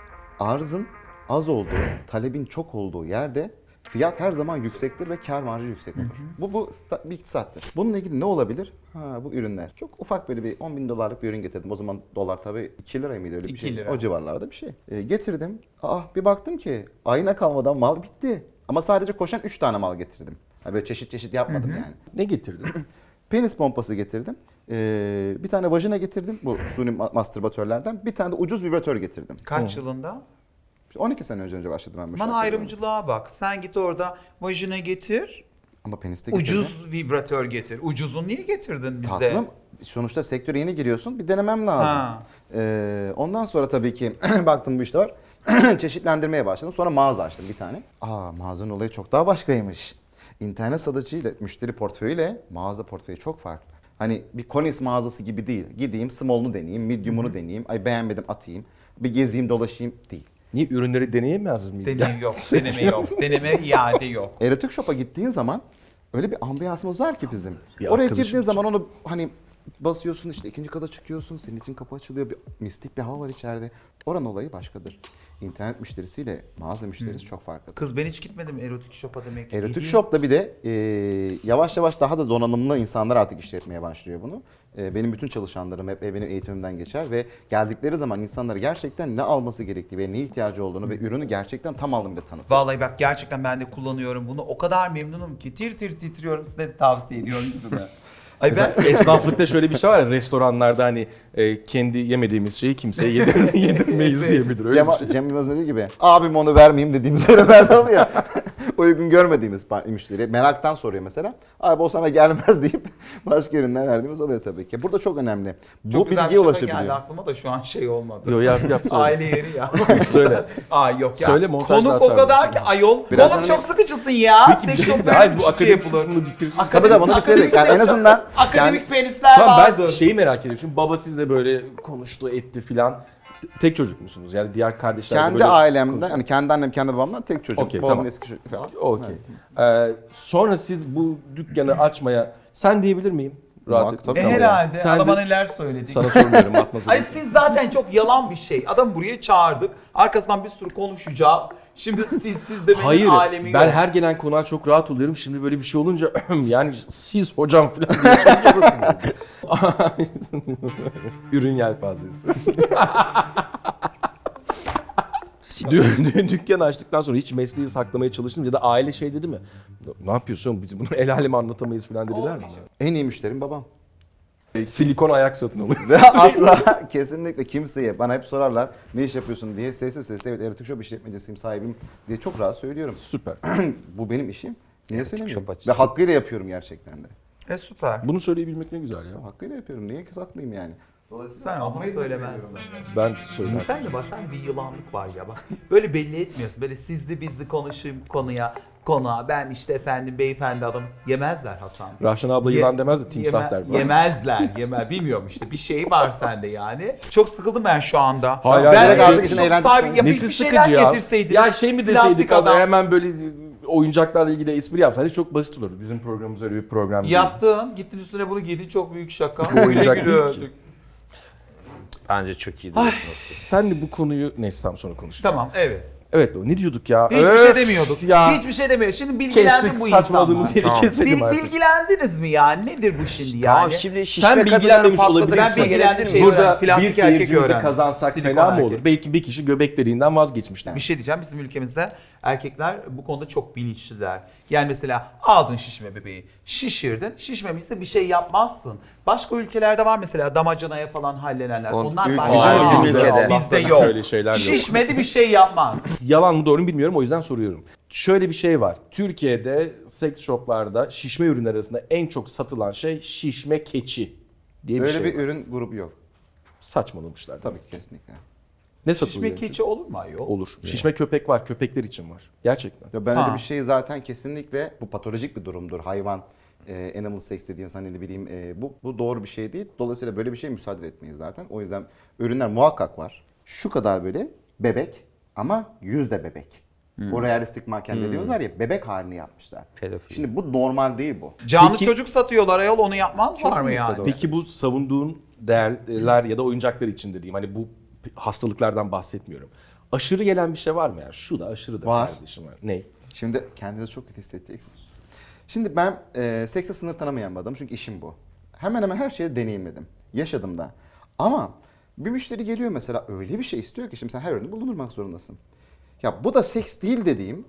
Speaker 2: Arzın az olduğu, talebin çok olduğu yerde fiyat her zaman yüksektir ve kar marjı yüksek olur. Bu, bu sta- bir iktisattır. Bununla ilgili ne olabilir? Ha bu ürünler. Çok ufak böyle bir on bin dolarlık bir ürün getirdim. O zaman dolar tabii iki lira mıydı öyle bir
Speaker 3: iki
Speaker 2: şey?
Speaker 3: lira.
Speaker 2: O civarlarda bir şey. Ee, getirdim. Aa bir baktım ki ayna kalmadan mal bitti. Ama sadece koşan üç tane mal getirdim. Ha, böyle çeşit çeşit yapmadım yani.
Speaker 1: Ne getirdin?
Speaker 2: Penis pompası getirdim. Ee, bir tane vajina getirdim. Bu suni ma- mastürbatörlerden. Bir tane de ucuz vibratör getirdim.
Speaker 3: Kaç yılında?
Speaker 2: on iki sene önce önce başladım ben bu
Speaker 3: Bana
Speaker 2: şarkıya.
Speaker 3: ayrımcılığa bak. Sen git orada vajina getir,
Speaker 2: Ama penis de getirdim.
Speaker 3: ucuz vibratör getir. Ucuzunu niye getirdin bize?
Speaker 2: Tatlım. Sonuçta sektöre yeni giriyorsun. Bir denemem lazım.
Speaker 3: Ha.
Speaker 2: Ee, ondan sonra tabii ki baktım bu işte var. Çeşitlendirmeye başladım. Sonra mağaza açtım bir tane. Aa mağazanın olayı çok daha başkaymış. İnternet satıcıyla müşteri portföyüyle mağaza portföyü çok farklı. Hani bir Konis mağazası gibi değil. Gideyim small'unu deneyeyim, medium'unu deneyeyim. Ay beğenmedim atayım. Bir gezeyim dolaşayım değil.
Speaker 1: Niye ürünleri deneyemez miyiz?
Speaker 3: Deneme yok, deneme yok. Deneme iade yok.
Speaker 2: Erotik Shop'a gittiğin zaman öyle bir ambiyansımız var ki bizim.
Speaker 1: Bir
Speaker 2: Oraya
Speaker 1: arkadaşım
Speaker 2: girdiğin
Speaker 1: için.
Speaker 2: zaman onu hani basıyorsun işte ikinci kata çıkıyorsun. Senin için kapı açılıyor. Bir mistik bir hava var içeride. Oranın olayı başkadır. İnternet müşterisiyle mağaza müşterisi çok farklı.
Speaker 3: Kız ben hiç gitmedim erotik shop'a demek ki.
Speaker 2: Erotik
Speaker 3: Gideyim.
Speaker 2: Shop'ta bir de e, yavaş yavaş daha da donanımlı insanlar artık işletmeye başlıyor bunu. E, benim bütün çalışanlarım hep benim eğitimimden geçer ve geldikleri zaman insanlara gerçekten ne alması gerektiği ve ne ihtiyacı olduğunu ve ürünü gerçekten tam anlamıyla tanıtır.
Speaker 3: Vallahi bak gerçekten ben de kullanıyorum bunu. O kadar memnunum ki tir tir titriyorum, size de tavsiye ediyorum gibi. Ay ben
Speaker 1: Mesela esnaflıkta şöyle bir şey var ya restoranlarda hani e, kendi yemediğimiz şeyi kimseye yedir, yedirmeyiz diye midir öyle
Speaker 2: Cem,
Speaker 1: bir şey.
Speaker 2: Cem Yılmaz dediği gibi abim onu vermeyeyim dediğimiz ürünlerden oluyor. Uygun görmediğimiz par- müşteri meraktan soruyor mesela. Abi o sana gelmez deyip başka ürünler verdiğimiz oluyor tabii ki. Burada çok önemli.
Speaker 3: çok
Speaker 2: Bu
Speaker 3: güzel bir
Speaker 2: bilgiye
Speaker 3: şaka geldi
Speaker 2: ulaşabiliyor.
Speaker 3: aklıma da şu an şey olmadı.
Speaker 1: Yo yap yap söyle.
Speaker 3: Aile yeri ya.
Speaker 1: Söyle.
Speaker 3: Aa yok ya.
Speaker 1: Söyle, montajda
Speaker 3: Konuk o
Speaker 1: atarım.
Speaker 3: kadar ki ayol.
Speaker 2: Biraz
Speaker 3: Konuk
Speaker 2: hani-
Speaker 3: çok sıkıcısın ya.
Speaker 1: Peki bir
Speaker 3: Seks
Speaker 1: şey
Speaker 3: shop
Speaker 1: diyeceğim. Hayır
Speaker 3: böyle
Speaker 1: bu
Speaker 3: bir şey
Speaker 1: akademik
Speaker 3: yapılır.
Speaker 1: kısmını bitirsin.
Speaker 3: Akademik-
Speaker 2: Tabii tabii bunu
Speaker 3: akademik
Speaker 2: bitirdik. Yani en
Speaker 3: seks-
Speaker 2: azından
Speaker 3: akademik
Speaker 2: yani-
Speaker 3: penisler
Speaker 1: Tamam
Speaker 3: vardır.
Speaker 1: ben şeyi merak ediyorum. Şimdi baba sizle böyle konuştu etti filan. T- Tek çocuk musunuz? Yani diğer kardeşler de
Speaker 2: Kendi
Speaker 1: böyle
Speaker 2: ailemden
Speaker 1: konuşuyor.
Speaker 2: hani kendi annem kendi babamdan tek çocuk.
Speaker 1: Okey,
Speaker 2: Babamın
Speaker 1: tamam.
Speaker 2: eski çocuğu falan.
Speaker 1: Okey. Ee, sonra siz bu dükkanı açmaya sen diyebilir miyim? Rahat
Speaker 2: Muhakkak,
Speaker 1: et.
Speaker 2: tabii.
Speaker 3: E
Speaker 2: Tamam.
Speaker 3: herhalde
Speaker 1: Sen
Speaker 3: adama
Speaker 1: de-
Speaker 3: neler söyledik.
Speaker 1: Sana sormuyorum atmasın.
Speaker 3: Ay siz zaten çok yalan bir şey. Adam buraya çağırdık. Arkasından bir sürü konuşacağız. Şimdi siz siz de benim
Speaker 1: Hayır
Speaker 3: alemi
Speaker 1: ben
Speaker 3: yok.
Speaker 1: her gelen konuğa çok rahat oluyorum. Şimdi böyle bir şey olunca yani siz hocam falan diye şey yapıyorsun. Ürün yelpazesi. Dü- dü- Dükkan açtıktan sonra hiç mesleği saklamaya çalıştım ya da aile şey dedi mi? Ne yapıyorsun biz bunu el aleme anlatamayız falan dediler mi?
Speaker 2: En iyi müşterim babam.
Speaker 1: Silikon ayak satın alıyor.
Speaker 2: Ve asla kesinlikle kimseye bana hep sorarlar ne iş yapıyorsun diye sessiz sessiz evet erotik shop işletmecisiyim sahibim diye çok rahat söylüyorum.
Speaker 1: Süper.
Speaker 2: Bu benim işim. Niye
Speaker 4: Erotik
Speaker 2: söylemiyorum?
Speaker 4: shop
Speaker 2: Ve
Speaker 4: açıyorsun.
Speaker 2: hakkıyla yapıyorum gerçekten de.
Speaker 3: E süper.
Speaker 1: Bunu söyleyebilmek ne güzel ya.
Speaker 2: Hakkıyla yapıyorum. Niye saklayayım yani?
Speaker 3: Sen onu söylemezsin.
Speaker 1: Ben söylerim.
Speaker 3: Sen de bak, sen de bir yılanlık var ya bak. Böyle belli etmiyorsun. Böyle sizli bizli konuşayım konuya, konuğa. Ben işte efendim beyefendi adam. Yemezler Hasan.
Speaker 1: Rahşan abla
Speaker 3: Ye-
Speaker 1: yılan demez de timsah
Speaker 3: yeme-
Speaker 1: der bana.
Speaker 3: Yemezler, yemez. Bilmiyorum işte bir şey var sende yani. Çok sıkıldım ben şu anda.
Speaker 1: Hayır,
Speaker 3: ben
Speaker 1: hayır,
Speaker 3: de
Speaker 1: hayır.
Speaker 3: çok
Speaker 2: Için eğlenceli
Speaker 3: sahibi-
Speaker 2: şey.
Speaker 3: ya bir,
Speaker 1: Nesi
Speaker 3: bir şeyler
Speaker 1: sıkıcı ya?
Speaker 3: getirseydiniz.
Speaker 1: Ya şey mi deseydik
Speaker 3: Plastik
Speaker 1: abi
Speaker 3: adam.
Speaker 1: hemen böyle oyuncaklarla ilgili espri yapsaydık çok basit olurdu. Bizim programımız öyle bir program değil.
Speaker 3: Yaptın, gittin üstüne bunu giydin, çok büyük şaka.
Speaker 1: Bu oyuncak
Speaker 3: Güle
Speaker 1: değil
Speaker 3: güle
Speaker 1: ki.
Speaker 3: öldük.
Speaker 4: Bence çok iyi.
Speaker 1: Sen de bu konuyu neyse tam sonra konuşacağız.
Speaker 3: Tamam, evet.
Speaker 1: Evet ne diyorduk ya?
Speaker 3: Hiçbir
Speaker 1: Öf
Speaker 3: şey demiyorduk.
Speaker 1: Ya.
Speaker 3: Hiçbir şey demiyorduk. Şimdi bilgilendim
Speaker 1: Kestik
Speaker 3: bu
Speaker 1: saçmaladığımız
Speaker 3: insanlar.
Speaker 1: yeri
Speaker 4: Tamam.
Speaker 1: keselim
Speaker 3: Bil,
Speaker 1: artık.
Speaker 3: bilgilendiniz mi yani? Nedir bu şimdi
Speaker 4: Tamam
Speaker 3: yani?
Speaker 4: şimdi şişme
Speaker 1: Sen
Speaker 4: kadınların
Speaker 1: bilgilenmemiş
Speaker 4: patladığı
Speaker 1: olabilirsin.
Speaker 3: Ben bilgilendim, şey
Speaker 1: Burada
Speaker 3: öğrendim. Plastik
Speaker 1: bir
Speaker 3: erkek
Speaker 1: seyircimizi
Speaker 3: öğrendim.
Speaker 1: kazansak
Speaker 3: Silikon
Speaker 1: fena mı
Speaker 3: erkek.
Speaker 1: olur? Belki bir kişi göbeklerinden vazgeçmiştir.
Speaker 3: Bir şey diyeceğim, bizim ülkemizde erkekler bu konuda çok bilinçliler. Yani mesela aldın şişme bebeği, şişirdin, şişmemişse bir şey yapmazsın. Başka ülkelerde var mesela damacanaya falan hallenenler.
Speaker 4: On-
Speaker 3: Onlar
Speaker 4: ülke-
Speaker 3: başka.
Speaker 4: Hayır, bizim
Speaker 3: Bizde,
Speaker 4: ülkede.
Speaker 3: bizde
Speaker 1: Allah'tan
Speaker 3: yok.
Speaker 1: şöyle şeyler yok.
Speaker 3: Şişmedi bir şey yapmaz.
Speaker 1: Yalan mı doğru mu bilmiyorum o yüzden soruyorum. Şöyle bir şey var. Türkiye'de seks shoplarda şişme ürünler arasında en çok satılan şey şişme keçi diye bir
Speaker 2: Öyle
Speaker 1: şey
Speaker 2: bir
Speaker 1: var.
Speaker 2: ürün grubu yok.
Speaker 1: Saçmalamışlar.
Speaker 2: Tabii ki kesinlikle.
Speaker 1: Ne satılıyor?
Speaker 3: Şişme keçi olur mu ayol?
Speaker 1: Olur. Şişme köpek var. Köpekler için var. Gerçekten.
Speaker 2: Ya ben
Speaker 3: Ha.
Speaker 2: öyle bir şey zaten kesinlikle bu patolojik bir durumdur. Hayvan e, animal sex dediğimiz hani ne bileyim e, bu bu doğru bir şey değil. Dolayısıyla böyle bir şeye müsaade etmeyiz zaten. O yüzden ürünler muhakkak var. Şu kadar böyle bebek ama yüzde bebek. O realistik manken dediğimiz var ya bebek halini yapmışlar.
Speaker 4: Pedofili.
Speaker 2: Şimdi bu normal değil bu.
Speaker 3: Canlı
Speaker 1: Peki-
Speaker 3: çocuk satıyorlar ayol, onu yapmazlar mı
Speaker 2: Kesinlikle
Speaker 3: yani?
Speaker 2: doğru.
Speaker 1: Peki bu savunduğun değerler ya da oyuncaklar için dediğim hani bu hastalıklardan bahsetmiyorum. Aşırı gelen bir şey var mı yani? Şu da aşırı da
Speaker 2: Var.
Speaker 1: kardeşim. Ne?
Speaker 2: Şimdi kendinizi çok kötü hissedeceksiniz. Şimdi ben e, sekse sınır tanımayan bir adamım çünkü işim bu. Hemen hemen her şeyi deneyimledim. Yaşadım da. Ama bir müşteri geliyor mesela öyle bir şey istiyor ki şimdi sen her ürünü bulundurmak zorundasın. Ya bu da seks değil dediğim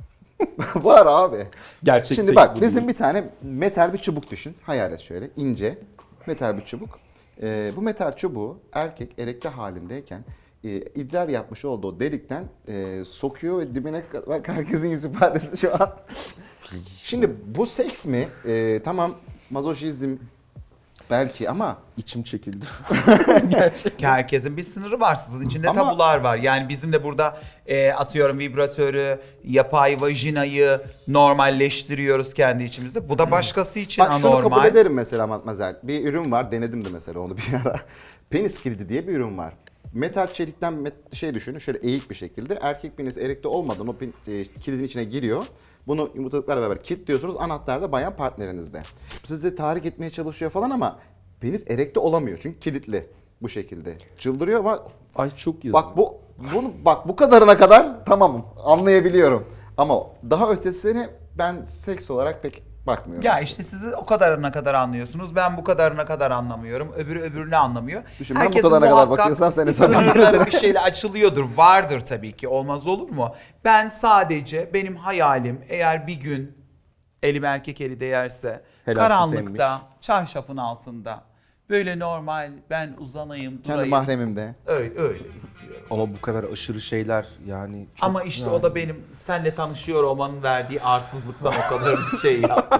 Speaker 2: var abi.
Speaker 1: Gerçek
Speaker 2: Şimdi
Speaker 1: seks
Speaker 2: bak
Speaker 1: bu
Speaker 2: bizim
Speaker 1: değil.
Speaker 2: bir tane metal bir çubuk düşün. Hayal et şöyle ince metal bir çubuk. E, bu metal çubuğu erkek erekte halindeyken e, idrar yapmış olduğu delikten e, sokuyor ve dibine bak herkesin yüz ifadesi şu an. Şimdi bu seks mi? E, tamam mazoşizm belki ama
Speaker 1: İçim çekildi.
Speaker 3: Herkesin bir sınırı var. Sizin içinde
Speaker 2: Ama-
Speaker 3: tabular var. Yani bizim de burada e, atıyorum vibratörü, yapay vajinayı normalleştiriyoruz kendi içimizde. Bu da başkası için
Speaker 2: bak şunu kabul
Speaker 3: anormal.
Speaker 2: ederim mesela Matmazel. Bir ürün var denedim de mesela onu bir ara. Penis kilidi diye bir ürün var. Metal çelikten met- şey düşünün şöyle eğik bir şekilde. Erkek penis erekte olmadan o pen- e, kilidin içine giriyor. Bunu yumurtalıklarla beraber kilitliyorsunuz. Anahtar da bayan partnerinizde. Sizi tahrik etmeye çalışıyor falan ama penis erekte olamıyor çünkü kilitli bu şekilde. Çıldırıyor ama
Speaker 1: Ay çok yazık.
Speaker 2: bak bu bunu bak bu kadarına kadar tamamım. Anlayabiliyorum. Ama daha ötesini ben seks olarak pek bakmıyorum.
Speaker 3: Ya işte siz o kadarına kadar anlıyorsunuz. Ben bu kadarına kadar anlamıyorum. Öbürü öbürünü anlamıyor.
Speaker 2: Düşün, ben bu
Speaker 3: Herkesin
Speaker 2: kadarına kadar
Speaker 3: muhakkak
Speaker 2: bakıyorsam sen
Speaker 3: bir
Speaker 2: hesap
Speaker 3: sınırları
Speaker 2: verirsen.
Speaker 3: bir şeyle açılıyordur. Vardır tabii ki. Olmaz olur mu? Ben sadece benim hayalim eğer bir gün elim erkek eli değerse
Speaker 1: Helal
Speaker 3: karanlıkta, çarşafın altında böyle normal ben uzanayım,
Speaker 2: Kendi
Speaker 3: durayım.
Speaker 2: mahremimde.
Speaker 3: Öyle, öyle istiyorum.
Speaker 1: Ama bu kadar aşırı şeyler yani çok
Speaker 3: Ama işte
Speaker 1: yani.
Speaker 3: o da benim seninle tanışıyor olmanın verdiği arsızlıktan o kadar bir şey yaptım.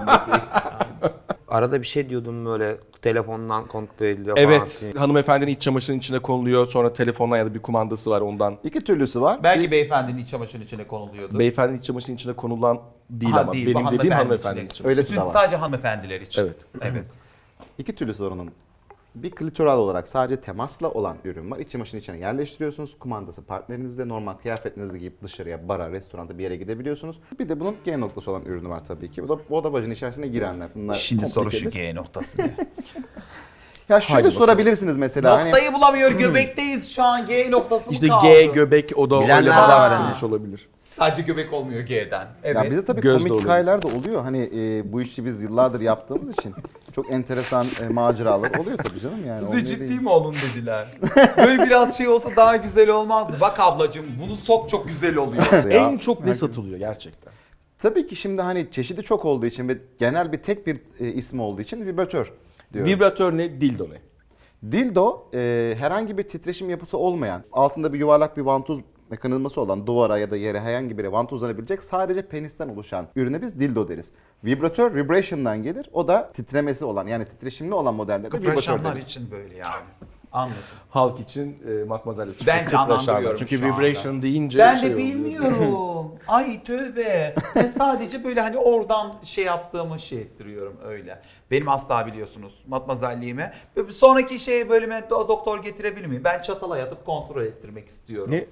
Speaker 4: Arada bir şey diyordum böyle telefondan kontrol ediliyor
Speaker 1: Evet,
Speaker 4: falan.
Speaker 1: hanımefendinin iç çamaşırının içine konuluyor. Sonra telefonla ya da bir kumandası var ondan.
Speaker 2: İki türlüsü var.
Speaker 3: Belki beyefendinin iç çamaşırın içine konuluyordu.
Speaker 1: Beyefendinin iç çamaşırının içine konulan değil
Speaker 3: Ha,
Speaker 1: ama
Speaker 3: değil, bu
Speaker 1: benim dediğim
Speaker 3: hanımefendi
Speaker 1: hanımefendinin
Speaker 3: içine.
Speaker 1: için.
Speaker 2: Öylesi
Speaker 3: Bütün
Speaker 2: de var.
Speaker 3: sadece hanımefendiler için.
Speaker 1: Evet.
Speaker 3: Evet.
Speaker 2: İki türlüsü var onun. Bir klitoral olarak sadece temasla olan ürün var. İç çamaşırın içine yerleştiriyorsunuz. Kumandası partnerinizde normal kıyafetinizi giyip dışarıya, bara, restoranda bir yere gidebiliyorsunuz. Bir de bunun G noktası olan ürünü var tabii ki. Bu da, o da vajin içerisine girenler. Bunlar
Speaker 3: Şimdi soru şu
Speaker 2: komplikedir.
Speaker 3: G noktası ne?
Speaker 2: Ya şöyle
Speaker 1: Haydi
Speaker 2: sorabilirsiniz mesela. hani-
Speaker 3: Noktayı bulamıyor, göbekteyiz şu an. G noktası mı
Speaker 1: İşte
Speaker 3: kaldı?
Speaker 1: G, göbek o da
Speaker 4: Bilenler
Speaker 1: öyle
Speaker 4: de
Speaker 1: falan
Speaker 4: var
Speaker 1: verilmiş olabilir.
Speaker 3: Sadece göbek olmuyor G'den. Evet.
Speaker 2: Ya bize tabii
Speaker 1: Göz de
Speaker 2: komik
Speaker 1: oluyor.
Speaker 2: hikayeler de oluyor. Hani e, bu işi biz yıllardır yaptığımız için çok enteresan e, maceralar oluyor tabii canım yani.
Speaker 3: Size
Speaker 2: olmuyor
Speaker 3: ciddi
Speaker 2: değil.
Speaker 3: mi olun dediler. Böyle biraz şey olsa daha güzel olmazdı. Bak ablacığım bunu sok çok güzel oluyor.
Speaker 2: Ya,
Speaker 1: En çok ne satılıyor gerçekten?
Speaker 2: Tabii ki şimdi hani çeşidi çok olduğu için ve genel bir tek bir e, ismi olduğu için vibratör diyorum.
Speaker 1: Vibratör ne, dildo ne?
Speaker 2: Dildo e, herhangi bir titreşim yapısı olmayan, altında bir yuvarlak bir vantuz mekanizması olan duvara ya da yere herhangi bir yere vantuzlanabilecek sadece penisten oluşan ürüne biz dildo deriz. Vibratör vibration'dan gelir. O da titremesi olan yani titreşimli olan modelde de vibratör
Speaker 3: Kıpraşanlar
Speaker 2: deriz.
Speaker 3: için böyle yani. Anladım.
Speaker 1: Halk için e, Matmazel'le çok
Speaker 3: Ben
Speaker 1: çok
Speaker 3: canlandırıyorum
Speaker 1: başarılı. Çünkü
Speaker 3: şu anda.
Speaker 1: vibration deyince
Speaker 3: Ben
Speaker 1: şey
Speaker 3: de
Speaker 1: oluyor.
Speaker 3: bilmiyorum. Ay tövbe. Ben sadece böyle hani oradan şey yaptığımı şey ettiriyorum öyle. Benim asla biliyorsunuz matmazelliğime. Böyle bir sonraki şeye bölüme do- doktor getirebilir miyim? Ben çatala yatıp kontrol ettirmek istiyorum.
Speaker 1: Ne?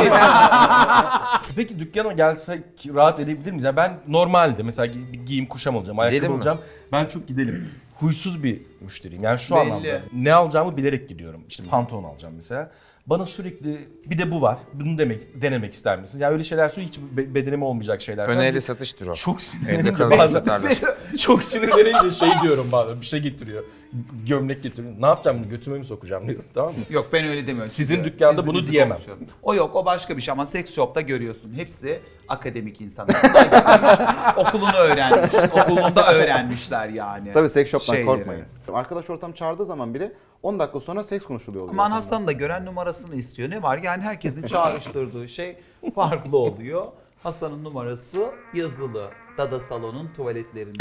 Speaker 1: Peki dükkana gelsek rahat edebilir miyiz? Yani ben normalde mesela gi- bir giyim kuşam olacağım, ayakkabı
Speaker 4: Gidelim mi?
Speaker 1: olacağım. Ben çok gidelim. Huysuz bir müşteriyim. Yani şu
Speaker 3: Belli.
Speaker 1: anlamda ne alacağımı bilerek gidiyorum. İşte pantolon alacağım mesela. Bana sürekli bir de bu var. Bunu demek denemek ister misiniz? Yani öyle şeyler söylüyor, hiç be- bedenime olmayacak şeyler. falan.
Speaker 4: Öneri satıştır o.
Speaker 1: Çok
Speaker 4: Evde
Speaker 1: sinirlenince
Speaker 4: kalıcı
Speaker 1: bazen
Speaker 4: tutarlar.
Speaker 1: çok sinirlenince şey diyorum bazen, bir şey getiriyor. Gömlek getiriyor. Ne yapacağım bunu, götüme mi sokacağım diyorum, tamam mı?
Speaker 3: Yok ben öyle demiyorum.
Speaker 1: Sizin
Speaker 3: Size-
Speaker 1: dükkanda
Speaker 3: sizin
Speaker 1: bunu
Speaker 3: bizi
Speaker 1: diyemem.
Speaker 3: konuşuyorum. O yok, o başka bir şey ama seks shop'ta görüyorsun. Hepsi akademik insanlar. Bunlar gelmiş, okulunu öğrenmiş. Okulunda öğrenmişler yani.
Speaker 2: Tabii seks shop'tan
Speaker 3: Şeyleri.
Speaker 2: korkmayın. Arkadaş ortam çağırdığı zaman bile on dakika sonra seks konuşuluyor. oluyor
Speaker 3: Aman
Speaker 2: ortamda.
Speaker 3: Hasan da gören numarasını istiyor. Ne var? Yani herkesin çağrıştırdığı şey farklı oluyor. Hasan'ın numarası yazılı. Dada salonun tuvaletlerinde.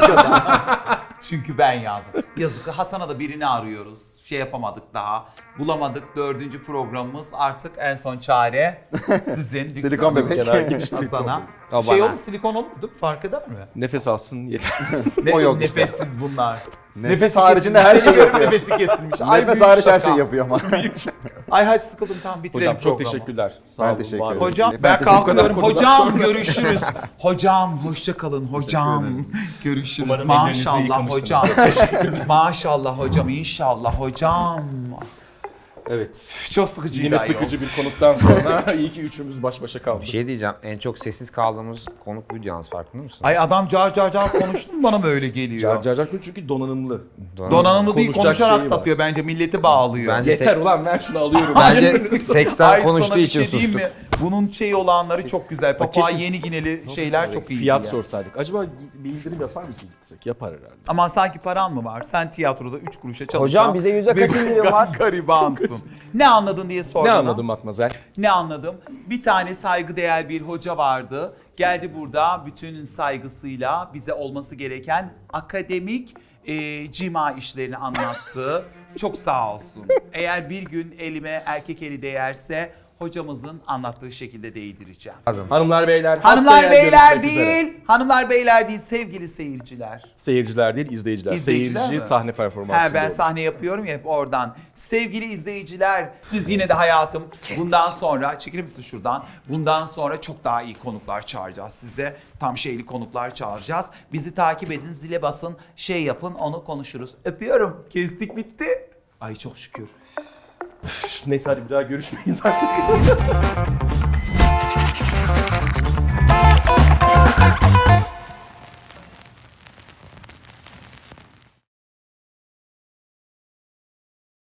Speaker 3: Çünkü ben yazdım. Yazık. Hasan'a da birini arıyoruz. Şey yapamadık daha. Bulamadık. Dördüncü programımız artık en son çare sizin.
Speaker 2: Silikon bebek.
Speaker 1: Genel giriş
Speaker 3: Hasan'a.
Speaker 4: O
Speaker 3: Şey
Speaker 4: bana.
Speaker 3: olur, silikon olur mu? Fark eder mi?
Speaker 1: Nefes alsın yeter.
Speaker 3: Ne,
Speaker 2: O yok işte.
Speaker 3: nefessiz bunlar.
Speaker 2: Nefes haricinde her şeyi
Speaker 3: Görüyorum
Speaker 2: yapıyor.
Speaker 3: nefesi kesilmiş. Ay,
Speaker 2: Nefes
Speaker 3: büyük
Speaker 2: hariç her
Speaker 3: şaka.
Speaker 2: şeyi yapıyor ama.
Speaker 3: Ay hadi sıkıldım, tamam bitirelim
Speaker 1: Hocam çok
Speaker 3: programı.
Speaker 1: teşekkürler. Sağ
Speaker 2: Ben
Speaker 1: olun,
Speaker 2: teşekkür
Speaker 1: var olun.
Speaker 2: ederim.
Speaker 3: Hocam
Speaker 2: Ben
Speaker 3: ben
Speaker 2: teşekkür
Speaker 3: kalkıyorum.
Speaker 1: ederim.
Speaker 3: Hocam görüşürüz. Hocam hoşça kalın. Hocam görüşürüz.
Speaker 1: Umarım ellerinizi
Speaker 3: Maşallah
Speaker 1: yıkamışsınız.
Speaker 3: hocam. Maşallah hocam. İnşallah hocam.
Speaker 1: Evet.
Speaker 3: Çok sıkıcı.
Speaker 1: Yine sıkıcı bir konuktan sonra iyi ki üçümüz baş başa kaldık.
Speaker 4: Bir şey diyeceğim. En çok sessiz kaldığımız konuk buydu yalnız, farkında mısın?
Speaker 3: Ay adam car car car konuştu mu bana mı öyle geliyor?
Speaker 1: Car car car çünkü donanımlı.
Speaker 3: Donanımlı değil,
Speaker 1: Konuşacak
Speaker 3: konuşarak
Speaker 1: şeyi var.
Speaker 3: satıyor bence, milleti bağlıyor.
Speaker 4: Bence
Speaker 1: Yeter ulan ver şunu alıyorum.
Speaker 4: Bence seksten
Speaker 3: Ay,
Speaker 4: konuştuğu
Speaker 3: sana bir
Speaker 4: için
Speaker 3: şey diyeyim
Speaker 4: sustuk.
Speaker 3: mi? Bunun şeyi olanları çok güzel. Papua
Speaker 1: keşke-
Speaker 3: Yeni Gineli şeyler çok iyi.
Speaker 1: Fiyat sorsaydık. Acaba bir indirim yapar mısın gitsek? Yapar herhalde.
Speaker 3: Ama sanki paran mı var? Sen tiyatroda üç kuruşa çalışan...
Speaker 4: Hocam bize yüzde kaç
Speaker 3: bir
Speaker 4: indirim var?
Speaker 3: Garibansın. Ne anladın diye sordum.
Speaker 1: Ne anladın Matmazel?
Speaker 3: Ne anladım? Bir tane saygıdeğer bir hoca vardı. Geldi burada bütün saygısıyla bize olması gereken akademik e, cima işlerini anlattı. Çok sağ olsun. Eğer bir gün elime erkek eli değerse hocamızın anlattığı şekilde değdireceğim.
Speaker 1: Hanımlar beyler.
Speaker 3: Hanımlar
Speaker 1: haftaya
Speaker 3: beyler
Speaker 1: görüşmek üzere.
Speaker 3: değil, hanımlar beyler değil sevgili seyirciler.
Speaker 1: Seyirciler değil, izleyiciler.
Speaker 3: İzleyiciler
Speaker 1: Seyirci
Speaker 3: mi?
Speaker 1: sahne performansı.
Speaker 3: He, ben sahne yapıyorum ya hep oradan. Sevgili izleyiciler, siz yine de hayatım bundan sonra, çekilir misin şuradan? Bundan sonra çok daha iyi konuklar çağıracağız size. Tam şeyli konuklar çağıracağız. Bizi takip edin, zile basın, şey yapın, onu konuşuruz. Öpüyorum. Kestik, bitti. Ay çok şükür.
Speaker 1: Neyse hadi bir daha görüşmeyiz artık.